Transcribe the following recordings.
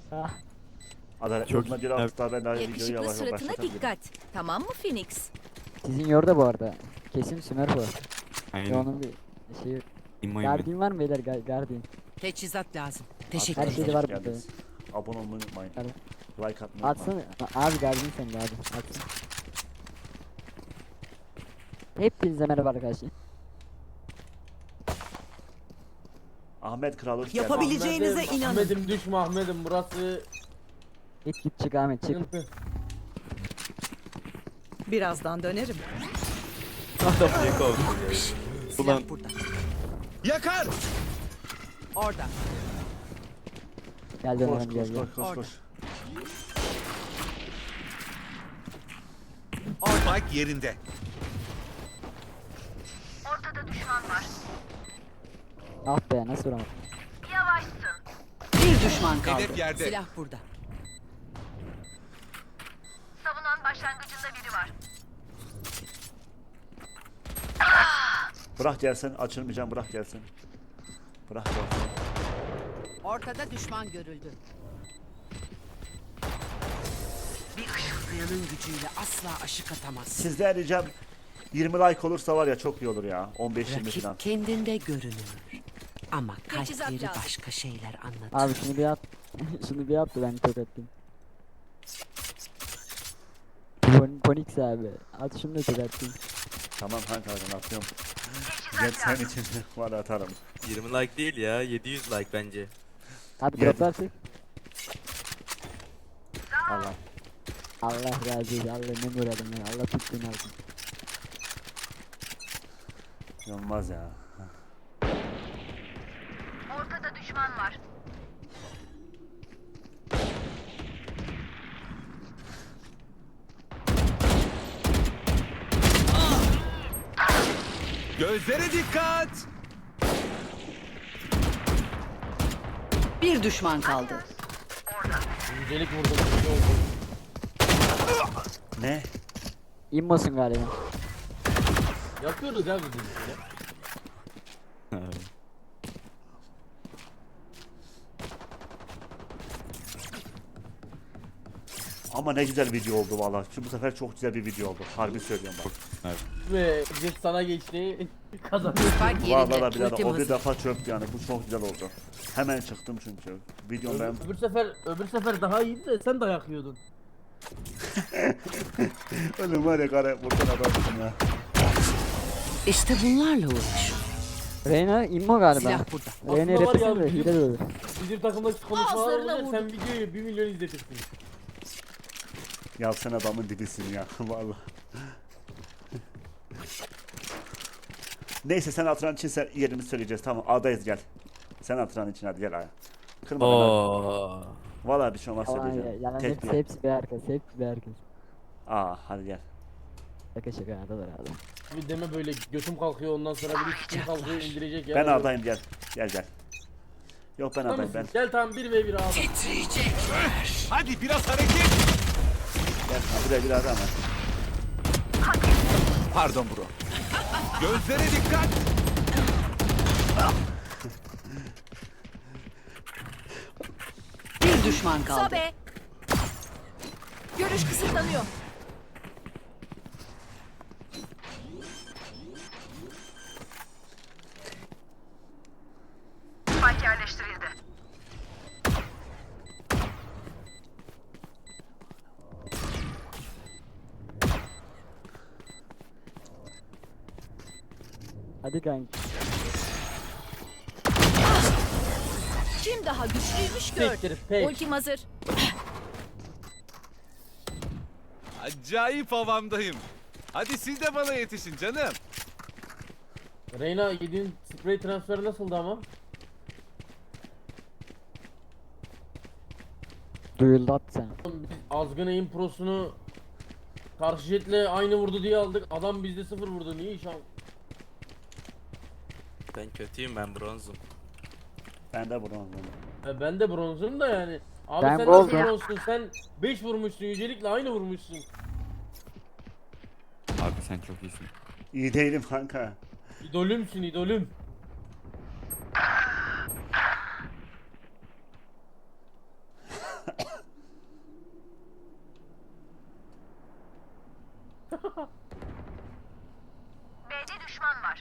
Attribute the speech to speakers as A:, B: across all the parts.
A: Ah,
B: Adalet
C: Çok
B: yoluna bir
C: iyi.
B: hafta ben daha videoyu
D: Yakışıklı
B: yavaş yavaş
D: suratına
B: başlatabilirim.
D: dikkat. Tamam mı Phoenix?
A: sizin yorda bu arada. Kesin Sümer bu. Ve
C: Aynen.
A: onun bir şeyi.
C: İmmoyum ben.
A: Guardian var mı beyler? Guardian.
E: Teçhizat lazım.
A: Her
E: Teşekkür
A: şeyde
E: ederim.
A: var
B: Hoş
A: burada.
B: geldiniz. Abone olmayı unutmayın.
A: Hadi.
B: Like atmayı unutmayın.
A: Atsana. Abi Guardian sen de abi. Atsın. Hepinize merhaba arkadaşlar.
B: Ahmet Kral hoş geldin.
E: Yapabileceğinize inanın.
F: Ahmet'im düşme Ahmet'im, burası
A: Git çık Ahmet çık.
F: sıkıntı.
E: Birazdan dönerim.
C: Ulan
E: Silah burada.
G: Yakar!
E: Orada.
A: Gel
B: Koş
A: dönelim gel
B: koş
A: gel.
B: koş koş koş.
G: Spike yerinde.
A: Ah be nasıl vuramadım.
E: Bir düşman kaldı.
G: Hedef yerde.
E: Silah burada.
H: Savunan başlangıcında biri var.
B: Bırak gelsin açılmayacağım bırak gelsin. Bırak gelsin.
E: Ortada düşman görüldü. Bir ışıldayanın gücüyle asla aşık atamazsın.
B: Sizden ricam 20 like olursa var ya çok iyi olur ya. 15-20 falan.
E: Rakip kendinde görünür. Ama
D: Teçhizat
E: kalpleri
D: lazım.
E: başka şeyler anlatır.
A: Abi şunu bir at. Şunu bir at da ben tokatlayayım. Ponix abi. At şunu da tokatlayayım.
B: Tamam kanka ben atıyorum. Gel sen için var atarım.
C: 20 like değil ya, 700 like bence.
A: Abi
B: Geldim.
A: drop artık.
B: Allah.
A: Allah razı olsun. Allah ne uğradım ya. Allah tuttuğunu alsın.
B: Olmaz ya.
H: Ortada düşman var.
G: Gözlere dikkat!
E: Bir düşman kaldı.
F: Yücelik vurdum, bir şey oldu.
B: Ne?
A: İmmosun galiba.
F: Yapıyoruz ya biz işte.
B: Ama ne güzel video oldu valla. Şu bu sefer çok güzel bir video oldu. Harbi söylüyorum bak.
F: Ve jet sana geçti, kazandık.
E: Spike
B: Valla
E: yerinde.
B: birader
E: Ultim
B: o bir
E: hazır.
B: defa çöktü yani. Bu çok güzel oldu. Hemen çıktım çünkü. Videom ben...
F: Öbür sefer daha iyiydi de sen dayak yiyordun.
B: Oğlum var ya kare buradan adamsın ya.
E: İşte bunlarla uğraş.
A: Reyna immo galiba.
E: Silah burada.
A: Reyna'yı
F: Aslında var ya,
A: repesene de
F: bizim-
A: hile de olur.
F: Bizim takımdaki konuşmalar
D: Ağızlarına
F: olunca sen
D: vurdum.
F: videoyu 1 milyon izletirsin.
B: Ya sen adamın dibisin ya. Valla. Neyse sen atıran için sen yerini söyleyeceğiz. Tamam A'dayız gel. Sen atıran için hadi gel A'ya. Kırma beni.
C: Oo.
B: Valla bir şey olmaz
A: Yalan ya.
B: söyleyeceğim.
A: Yalan
B: Tek
A: hepsi
B: bir.
A: hepsi bir herkes. Hepsi bir herkes.
B: Aa hadi gel.
A: Şaka şaka adalar adam.
F: Bir deme böyle götüm kalkıyor ondan sonra bir üstüm kalkıyor indirecek ya.
B: Ben A'dayım gel. Gel gel. Yok ben
F: Tamam
B: A'dayım ben.
F: mısın? Gel tamam 1v1 abi.
G: Hadi biraz hareket!
B: Gel buraya bir adam var.
G: Pardon bro. Gözlere dikkat!
E: Bir düşman kaldı.
D: Sobe. Görüş kısıtlanıyor.
H: Spike yerleştirildi.
A: Hadi kanka.
D: Kim daha güçlüymüş gör.
F: Siktir pek.
D: Ultim hazır.
G: Acayip havamdayım. Hadi siz de bana yetişin canım.
F: Reyna yediğin sprey transferi nasıldı ama?
A: Duyuldu at sen.
F: Biz Azgın Aim Pro'sunu karşı jetle aynı vurdu diye aldık. Adam bizde 0 vurdu. Niye iş al?
C: Ben kötüyüm, ben bronzum.
B: Ben de buradan.
F: Ben de bronzum da yani. Abi
A: Ben
F: sen
A: goldum.
F: nasıl bronzsun? Sen 5 vurmuşsun. Yücelikle aynı vurmuşsun.
C: Abi sen çok iyisin.
B: İyi değilim kanka.
F: İdolümsün idolüm.
H: B'de düşman var.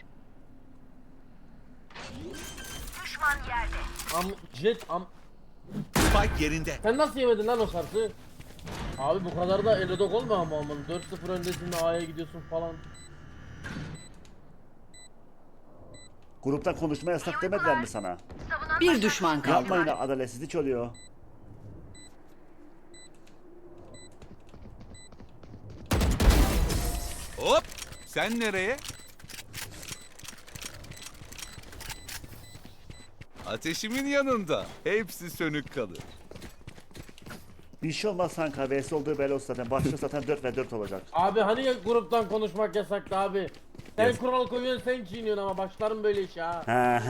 H: Düşman yerde.
F: Jet
G: Spike yerinde.
F: sen nasıl yemedin lan o sarsı? Abi bu kadar da elodok olma ama aman 4-0 öndesin de A'ya gidiyorsun falan.
B: Gruptan konuşma yasak demediler mi sana?
H: Savunan
E: Bir düşman kaldı.
B: Yapmayın, adaletsizlik oluyor.
G: Hop. Sen nereye? Ateşimin yanında. Hepsi sönük kalır.
B: Bir şey olmaz kanka. VS olduğu belli olsun zaten. Başlık zaten 4 ve 4 olacak.
F: Abi hani ya gruptan konuşmak yasaktı abi. Sen kural koyuyorsun sen çiğniyorsun ama başlarım böyle işe ha.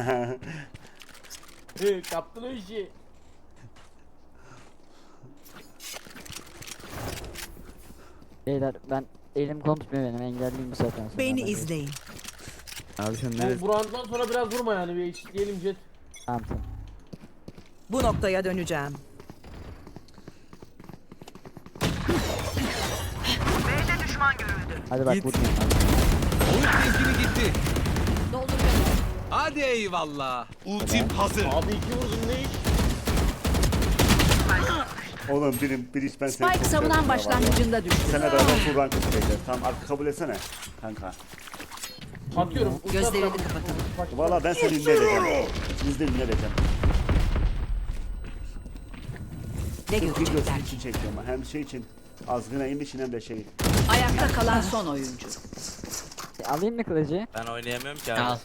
F: Kaptın o işi.
A: Beyler ben elim konuşmuyor benim, engelliyim bu saatten sonra.
E: Beni
A: Hadi.
E: izleyin.
C: Abi sen
F: Bu rounddan sonra biraz vurma yani bir eşitleyelim Jet.
A: Tamam tamam.
E: Bu noktaya döneceğim.
H: B'de düşman görüldü.
A: Hadi bak
C: Git.
A: vurmayın.
G: Oyun temkini gitti.
D: Dolduruyorum.
G: Hadi eyvallah. Ultim hazır.
F: Abi 2 vurdun ne iş?
B: Oğlum bir iş ben seni
E: Spike
B: çok
E: savunan
B: seviyorum ya
E: başlangıcında düştü.
B: vallahi. Sana beraber full rank isteyeceğiz. Tamam artık kabul etsene kanka.
F: Atıyorum.
E: Gözlerini kapatın.
B: Valla ben seni ünlü edeceğim. Biz de ünlü edeceğim.
E: Ne
B: Videosu
E: görecekler?
B: için çekiyorum. Hem şey için azgına inmişin hem de şey.
E: Ayakta kalan son oyuncu.
A: Alayım mı kılıcı?
C: Ben oynayamıyorum ki abi.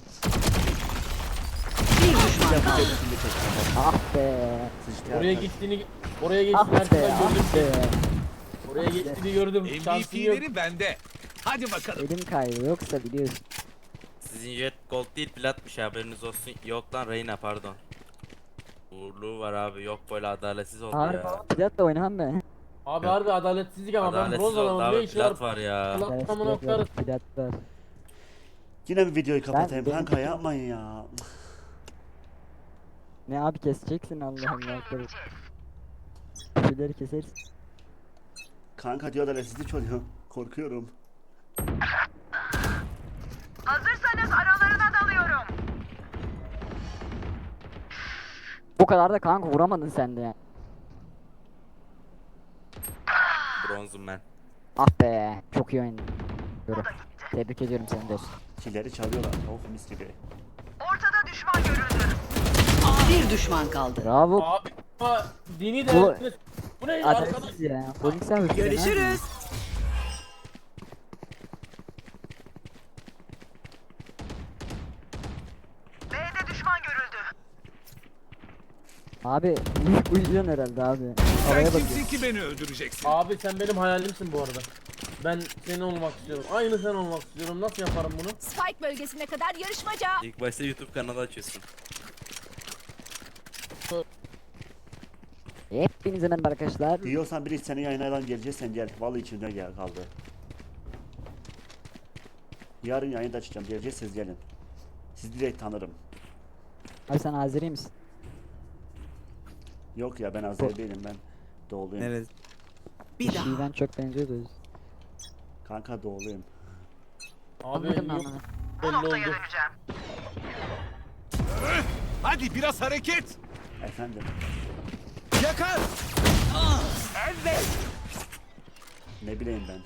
E: Bir düşman
B: Ben bu
E: kaldı.
B: videosunu çekeceğim.
A: Ah be.
B: Sıçtı
F: Oraya
B: ya.
F: gittiğini oraya
A: Ah
F: geçtiğini
A: be.
F: herkesten gördüm.
A: Ah be.
F: Oraya geçtiğini gördüm. Şansın yok.
G: MVP'leri bende. Hadi bakalım.
A: Elim kaydı yoksa biliyorsun.
C: Sizin jet gold değil platmış haberiniz olsun. Yok lan Reyna pardon. Uğurluğu var abi, yok böyle adaletsiz oldu
A: Harbi
C: ya.
A: plat da oynamam ben.
F: Abi harbi adaletsizlik ama ben
C: Adaletsiz
F: bronz
C: oldu
F: adamım ne
C: abi,
F: işi var?
C: plat var ya.
F: Plat tamına koyarız.
A: Plat var.
B: Yine bir videoyu kapatayım
A: Ben-
B: kanka, yapmayın ya.
A: Ne abi keseceksin Allah Allah. Şeyleri keseriz.
B: Kanka diyor adaletsizlik oluyor. Korkuyorum.
H: Hazırsanız aralarına dalıyorum.
A: Bu kadar da kanka vuramadın sen de yani.
C: Bronzum ben.
A: Ah be. Çok iyi oynadın. Yürü. Tebrik ediyorum seni dostum.
B: Killeri çalıyorlar. Oh mis gibi.
H: Ortada düşman görüldü.
E: Bir düşman kaldı.
A: Bravo.
F: Abi ama dini de
A: Bu-
F: bu ne arkadaş?
A: Adaletsiz ya. Polis sen
E: Görüşürüz.
H: B'de düşman görüldü.
A: Abi uyuyorsun herhalde abi.
G: Sen
A: Havaya bak.
G: kimsin ki beni öldüreceksin?
F: Abi sen benim hayalimsin bu arada. Ben senin olmak istiyorum. Aynı sen olmak istiyorum. Nasıl yaparım bunu?
D: Spike bölgesine kadar yarışmaca.
C: İlk başta YouTube kanalı açıyorsun.
A: Hepinize merhaba arkadaşlar.
B: Diyorsan biri seni yayınlardan geleceksen gel. Vallahi içimde gel kaldı. Yarın yayında açacağım. Geleceksiniz gelin. Sizi direkt tanırım.
A: Abi sen Azeri misin?
B: Yok ya ben Azeri değilim, ben doğuluyum.
C: Neresi?
E: Bir daha.
A: Şiven çok benziyordu.
B: Kanka doğuluyum.
F: Abi
A: Anladım ben
F: yok
A: bunu.
H: Bu
F: belli
H: noktaya
F: oldu.
H: döneceğim.
G: Hadi biraz hareket.
B: Efendim.
G: Yakar.
B: Ne bileyim ben.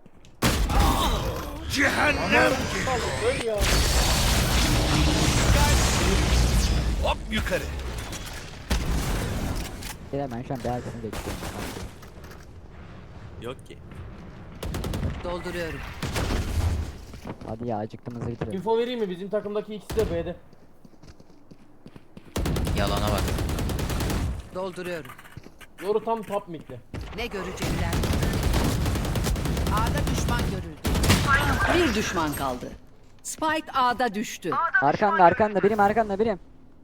G: Cehennem.
F: Öl ya.
G: Hop yukarı.
A: Beyler ben şu an bir arkasını bekliyorum.
C: Yok ki.
E: Dolduruyorum.
A: Hadi ya acıktım, hızlı bitirelim.
F: Info vereyim mi? Bizim takımdaki ikisi de B'de.
C: Yalana bak.
E: Dolduruyorum.
F: Yoru tam top mid'de.
E: Ne görecekler? A'da düşman görüldü. Bir düşman kaldı. Spike A'da düştü.
A: Arkanda arkanda birim, arkanda birim.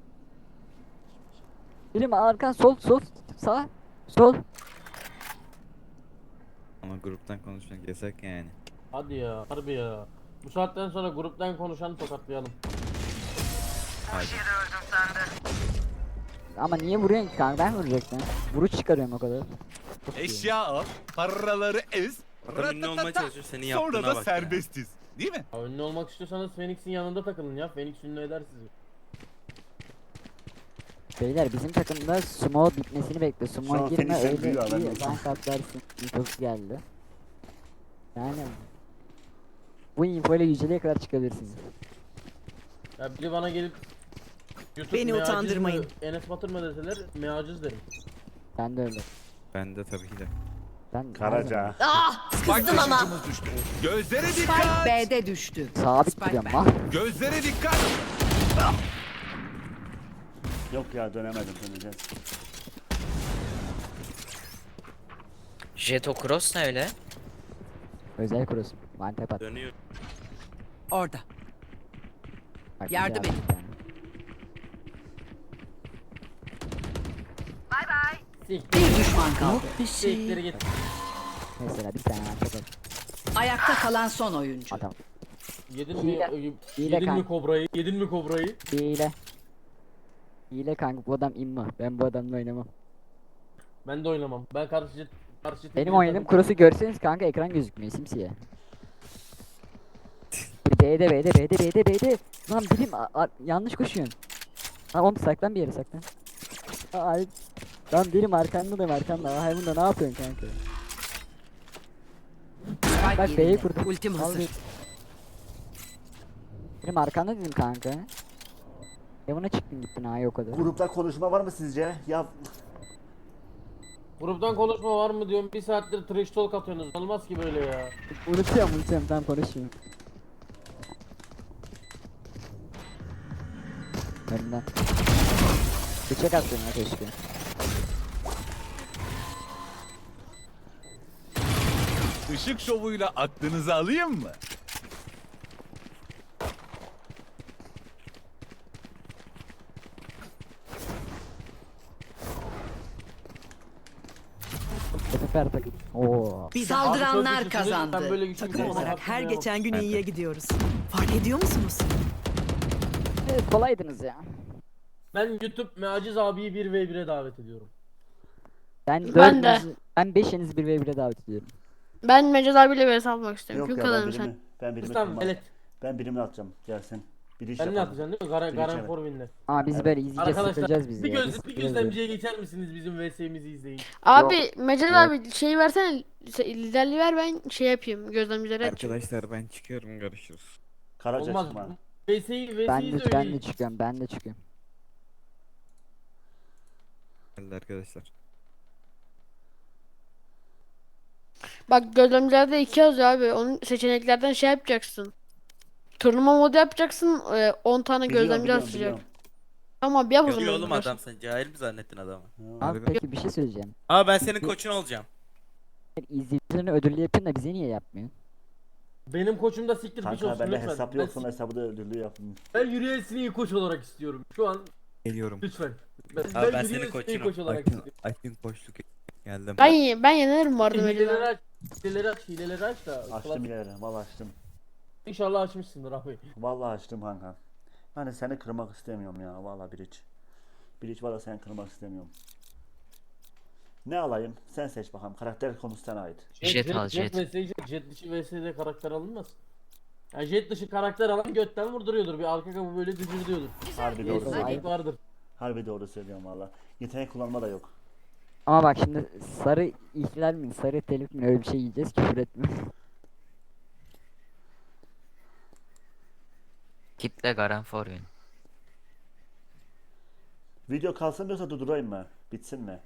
A: Birim arkan, sol sol sağ sol.
C: Ama gruptan konuşmak yasak yani.
F: Hadi ya. Harbi ya. Bu saatten sonra gruptan konuşanı tokatlayalım.
C: Hadi.
H: Yere öldüm sandı.
A: Ama niye vuruyorsun ki kanka, ben vuracaktım. Vuruş çıkarıyorum o kadar. Çok iyi.
G: Eşya al. Paraları ez.
C: Adam ünlü olmaya çalışıyor senin
G: Sonra
C: yaptığına
G: da
C: bak ya.
G: serbestiz. Değil mi?
F: Ya ünlü olmak istiyorsanız Phoenix'in yanında takılın ya. Phoenix ünlü eder sizi.
A: Beyler bizim takımda sumo bitmesini bekliyor.
B: Şu
A: Sumo
B: an
A: girme
B: Phoenix'in
A: öyle
B: büyüğü haberin
A: bir
B: olsun.
A: rank atlarsın. Infosu geldi. Yani bu info ile yüceliğe kadar çıkabilirsiniz.
F: Ya biri bana gelip YouTube
E: Beni
F: meaciz
E: utandırmayın.
F: mi, Enes Batur mu deseler meaciz derim.
A: Ben de öyle.
I: Ben de tabii ki de.
A: Ben
B: Karaca.
E: Ah,
G: Bak
E: kızdım ama.
G: taşıyıcımız düştü. Gözlere
E: Spike
G: dikkat.
E: B'de düştü.
A: sabit
E: Spike
A: duruyorum
E: B'de.
A: lan.
G: Gözlere dikkat.
B: Yok ya dönemedim döneceğiz.
J: Jet o cross ne öyle?
A: Özel kurusun. One tap at.
C: Dönüyor.
E: Orada.
A: Bak,
E: Yardım
A: güzel
E: edin.
A: bir tane.
H: Bay bay.
F: Siktir.
E: Bir düşman kaldı.
F: Siktir git.
A: Mesela bir tane one tap at.
E: Ayakta kalan son oyuncu.
A: Adam.
F: Yedin mi,
A: Hile
F: yedin mi
A: kanka.
F: kobrayı? Yedin mi kobrayı?
A: Hile. Hile kanka bu adam imma. Ben bu adamla oynamam.
F: Ben de oynamam. Ben karşı
A: Benim oynadığım cross'u görseniz kanka ekran gözükmüyor simsiyah. B'de. Lan bilim yanlış koşuyorsun. Lan oğlum saklan bir yere saklan. Ay. Lan bilim arkanda. Ay bunda ne yapıyorsun kanka?
E: Spike
A: Bak B'yi
E: yerinde.
A: kurdum.
E: Ultim
A: Al
E: hazır.
A: bir. Benim arkanda dedim kanka. Buna çıktın gittin ha yok o kadar.
B: Grupta konuşma var mı sizce? Ya
F: Gruptan konuşma var mı diyorum. Bir saattir trash talk atıyorsunuz. Olmaz ki böyle ya.
A: Unutuyorum tam konuşayım. Önden. Bıçak attın ya keşke.
G: Işık şovuyla aklınızı alayım mı?
A: Süper takım. Oo.
E: Saldıranlar
F: Abi çok güçlüsünüz. Ben
E: kazandı.
F: böyle güçlü bir
E: Takım
F: şey
E: olarak her
F: hatırlayamam.
E: geçen gün iyiye gidiyoruz. Fark ediyor musunuz?
A: Evet, kolaydınız ya.
F: Ben YouTube meaciz abiyi 1v1'e davet ediyorum.
A: Ben
K: Ben de.
A: Ben 5'inizi 1v1'e davet ediyorum.
K: Ben Mecaz abiyle vs almak istiyorum.
B: yok
K: Kim
B: ya
K: kazanır sen?
B: ben birimi
F: Tamam
B: kırmam.
F: evet.
B: Ben birimini atacağım. Gelsin. Bir iş
F: Sen ne
B: yapalım.
F: yapacaksın değil mi? Garen,
B: Bir
F: Garen
B: içelim.
F: Forvin'le.
A: Ama biz
B: Evet.
A: böyle izleyeceğiz,
F: Arkadaşlar
A: sıkılacağız biz
F: bir,
A: ya.
F: göz,
A: Biz
F: bir
A: sıkılacağız
F: gözlemciye geçer misiniz bizim VS'imizi izleyin.
K: Abi Mecaz abi şeyi versene. Liderliği ver ben şey yapayım. Gözlemcileri açayım.
I: Arkadaşlar ben çıkıyorum, görüşürüz.
B: Karaca
F: Olmaz.
B: çıkma.
F: VS'yi
A: Ben
F: de
A: de, ben de
F: oynayın.
A: çıkıyorum, ben de çıkıyorum.
I: Geldi arkadaşlar.
K: Bak gözlemcilerde 2 yazıyor abi. Onun seçeneklerden şey yapacaksın. Turnuva modu yapacaksın. 10 tane gözlemci açacak.
B: Biliyorum.
K: Tamam yap o
C: Yapıyor
K: zaman.
C: oğlum adam, sen cahil mi zannettin adamı?
A: Abi peki bir şey söyleyeceğim.
C: Aa ben senin koçun olacağım.
A: İzleyicilerin ödüllü yapın da bize niye yapmıyor?
F: Benim koçum da siktir piç
B: Kanka
F: olsun
B: bende
F: lütfen.
B: hesap
F: Ben,
B: yoksa hesabı da ödüllü yapın.
F: ben Yürüyesini iyi koç olarak istiyorum. Şu an
I: Geliyorum.
F: lütfen.
C: ben
F: Yürüyesini
C: senin
F: iyi
C: koçunum.
F: koç olarak
I: Akın,
F: istiyorum.
I: Akın koçluk geldim.
K: Ben yenerim bu arada Mecaz
F: Hileleri
K: abi.
F: aç. Hileleri aç da.
B: Açtım ileri. Vallahi açtım.
F: İnşallah açmışsındır abi.
B: Vallahi açtım kanka. Hani seni kırmak istemiyorum ya. Vallahi Biriç. Biriç valla seni kırmak istemiyorum. Ne alayım? Sen seç bakalım. Karakter konusu sana ait.
J: Jet al, jet.
F: Jet dışı VS'de karakter alınmaz. Yani jet dışı karakter alan götten vurduruyordur. Bir arka kapı böyle düzürdüyordur.
B: Harbi doğru
A: Hadi.
B: söylüyorum.
F: Vardır.
B: Harbi doğru söylüyorum valla. Yetenek kullanma da yok.
A: Ama bak şimdi sarı ihlal mi, sarı telif mi öyle bir şey yiyeceğiz küfür etme.
J: Kitle Garen Forvin.
B: Video kalsın diyorsa durdurayım mı? Bitsin mi?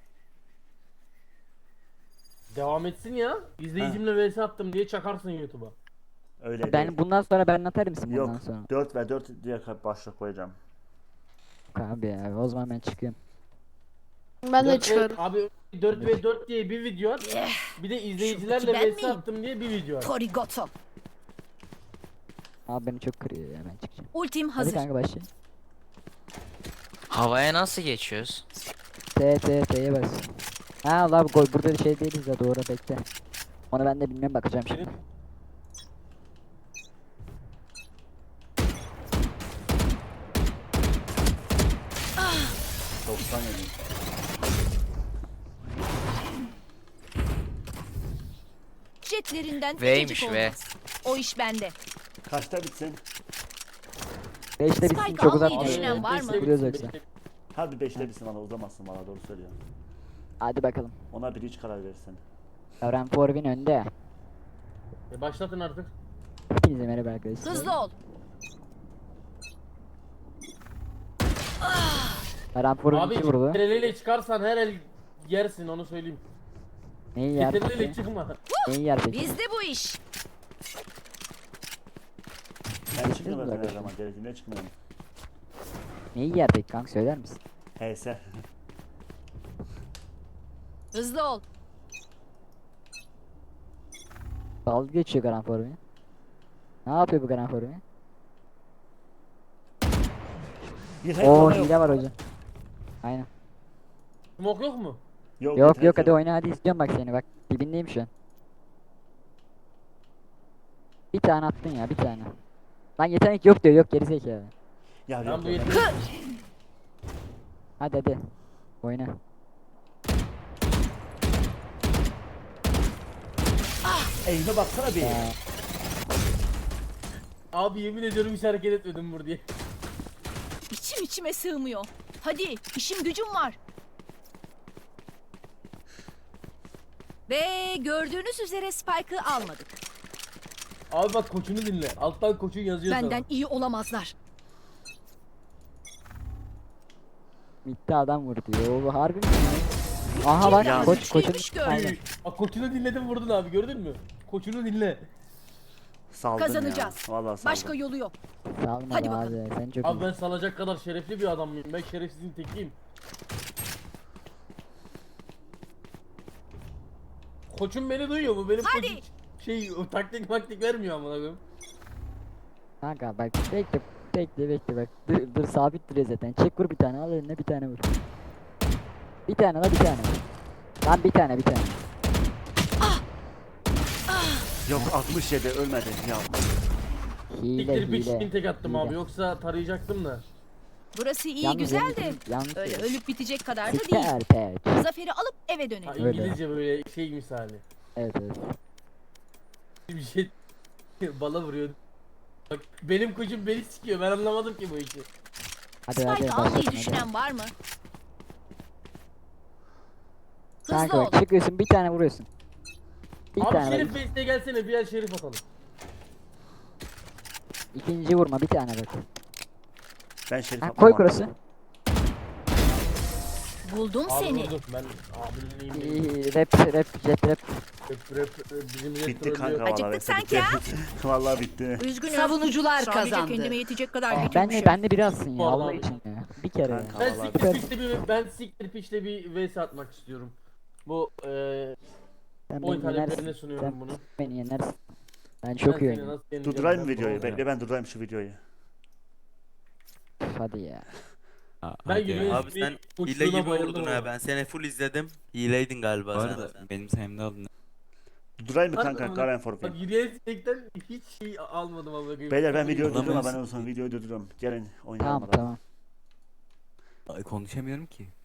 F: Devam etsin ya. İzleyicimle vs attım diye çakarsın YouTube'a.
B: Öyle değil.
A: Ben bundan sonra ben atar mısın bundan
B: Yok.
A: sonra?
B: 4 ve 4 diye başlık koyacağım.
A: Abi ya o zaman ben çıkıyorum.
K: Ben de
F: 4
K: çıkarım.
F: Abi 4v4 diye bir video at. Bir de izleyicilerle
E: ben
F: vs
E: miyim?
F: attım diye bir video at.
E: Torigoto.
A: Abi beni çok kırıyor ya ben çıkacağım.
E: Ultim
A: Hadi
E: hazır.
A: kanka başla.
J: Havaya nasıl geçiyoruz?
A: T'ye bas. Ha Allah gol burada şey değiliz ya doğru bekle. Onu ben de bilmiyorum bakacağım şimdi.
E: Ah.
B: 97.
D: Jetlerinden
J: V'ymiş,
D: ececik
J: V.
D: olmaz. O iş bende.
B: Kaçta bitsin?
A: 5'te bitsin
D: Spike
A: çok
D: almayı
A: uzatma.
D: düşünen var mı?
F: beşte
A: Vuruyoruz
F: bitsin,
A: yoksa.
F: beşte-
B: Hadi 5'te bitsin valla uzamazsın valla doğru söylüyorsun.
A: Hadi bakalım.
B: Ona bir hiç karar verirsen.
A: Garen Forvin önde.
F: Başlatın artık.
A: Hepinize merhaba arkadaşlar.
D: Hızlı ol.
A: Garen Forvin
F: Abi
A: 2 vurdu.
F: CTRL çıkarsan her el yersin onu söyleyeyim.
A: Neyi yer
F: CTRL
A: peki?
F: çıkma.
A: Neyi yer peki?
D: Bizde bu iş.
B: Ben çıkmıyorum zaten her
A: arkadaşlar.
B: zaman gerektiğinde çıkmıyorum.
A: Neyi yer peki kanka söyler misin?
B: HS.
D: Hızlı ol.
A: Dalga geçiyor Garen Forvin. Ne yapıyor bu Garen Forvin?
B: Bir
A: Oo
B: yok.
A: hile var hocam. Aynen.
F: Smoke yok mu?
B: Yok
A: Yok
B: bir
A: yok
B: hack
A: hadi oyna hadi izliyorum bak seni bak. Dibindeyim şu an. Bir tane attın ya bir tane. Lan yetenek yok diyor yok gerizekalı.
B: Ya
F: Ben
B: yok
F: bu
B: yok.
F: yeteneği...
A: Hadi. Oyna.
B: Eğime baksana bir.
F: Abi yemin ediyorum hiç hareket etmedim burada diye.
D: İçim içime sığmıyor. Hadi işim gücüm var. Ve gördüğünüz üzere Spike'ı almadık.
F: Abi bak koçunu dinle. Alttan koçun yazıyor sana.
D: Benden iyi olamazlar.
A: Bitti adam vurdu. Yo bu harbi mi? Aha
D: Kim
A: bak
D: daha
A: koç
D: güçlüymüş
A: koçun.
D: gördüm.
A: Aynen.
F: Bak koçunu dinledin vurdun abi gördün mü? Koçunu dinle.
B: Saldın
D: Kazanacağız.
B: ya. Vallahi saldın.
D: Başka yolu yok.
A: Salmadı
D: Hadi
A: abi sen çok
F: Abi
A: iyi.
F: ben salacak kadar şerefli bir adam mıyım? Ben şerefsizin tekiyim. Koçum beni duyuyor mu? Benim
D: Hadi.
F: koçum şey o taktik vermiyor amına koyayım.
A: Kanka bak bekle bak. Dur sabit duruyor zaten. Çek vur bir tane al eline bir tane vur. Bir tane la bir tane. Lan bir tane.
B: Yok 67 ölmedi ya.
A: Hile
F: Siktir bir
A: hile.
F: tek attım abi
A: hile.
F: yoksa tarayacaktım da.
D: Burası iyi
A: Yalnız
D: güzel de
A: yanlış- yanlış
D: öyle
A: söylüyorsun.
D: ölüp bitecek kadar da değil.
A: Siktir pek.
D: Zaferi alıp eve
F: Ha,
D: dönelim.
A: Öyle.
F: İngilizce böyle şey misali.
A: Evet.
F: Bir şey bala vuruyor. Bak benim koçum beni sikiyor. Ben anlamadım ki bu işi.
A: Hadi
D: Spike almayı
A: başlatın, hadi.
D: düşünen var mı? Hızlı
A: Kanka
D: ol.
A: bak çıkıyorsun bir tane vuruyorsun. Bir
F: Abi
A: tane
F: Şerif
A: bak.
F: Bey'e gelsene bir el Şerif atalım.
A: İkinci vurma bir tane bak.
B: Ben Şerif
A: Ha,
B: atmam.
A: koy kurası.
D: Buldum
F: Abi
D: seni.
F: vurdum ben abinin iyiyim.
A: İyi, Rap jet rap.
F: Bizim jet
B: Bitti
F: trollüyor.
B: kanka
D: Acıktık
B: vallahi. hepsi
D: sanki
B: bitti.
D: ha?
B: Vallahi bitti.
D: Üzgünüm.
E: Savunucular
D: Sadece
E: kazandı.
D: kendime yetecek kadar
A: Ben
D: götürmüşüm.
A: de ben de biri alsın ya
F: Bu arada
A: Allah
F: abi.
A: için ya. Bir kere ya.
B: Kanka.
F: Ben
B: Vallahi
F: siktir
A: bitti.
F: pişte bir vs atmak istiyorum. Bu
A: Sen
F: oyun
A: beni
F: taleplerine
A: yenersin.
F: sunuyorum
A: Sen
F: bunu.
A: beni yenersin. Ben
F: Ben
A: çok iyi
F: seni
A: oynuyorum.
F: nasıl yeneceğim
B: Durdurayım
F: ben
B: mı videoyu?
F: vallahi.
B: Bekle ben durdurayım şu videoyu.
A: Hadi ya.
F: Ben gülüyorum.
C: Abi sen hile gibi vurdun ha. Ben seni full izledim. Hileydin galiba
I: Bu
C: sen.
I: arada benim sayemde aldın.
B: Durdurayım mı kanka?
F: Harbiden
B: Garen
F: Bak
B: Forfeit.
F: yürüyen sinekten hiç şey almadım ama.
B: Beyler ben videoyu
I: Ulan
B: durduruyorum.
I: ben-
B: Ben en son videoyu durduruyorum. Gelin oynayalım.
A: Tamam
B: hadi.
A: tamam.
I: Ay, konuşamıyorum ki.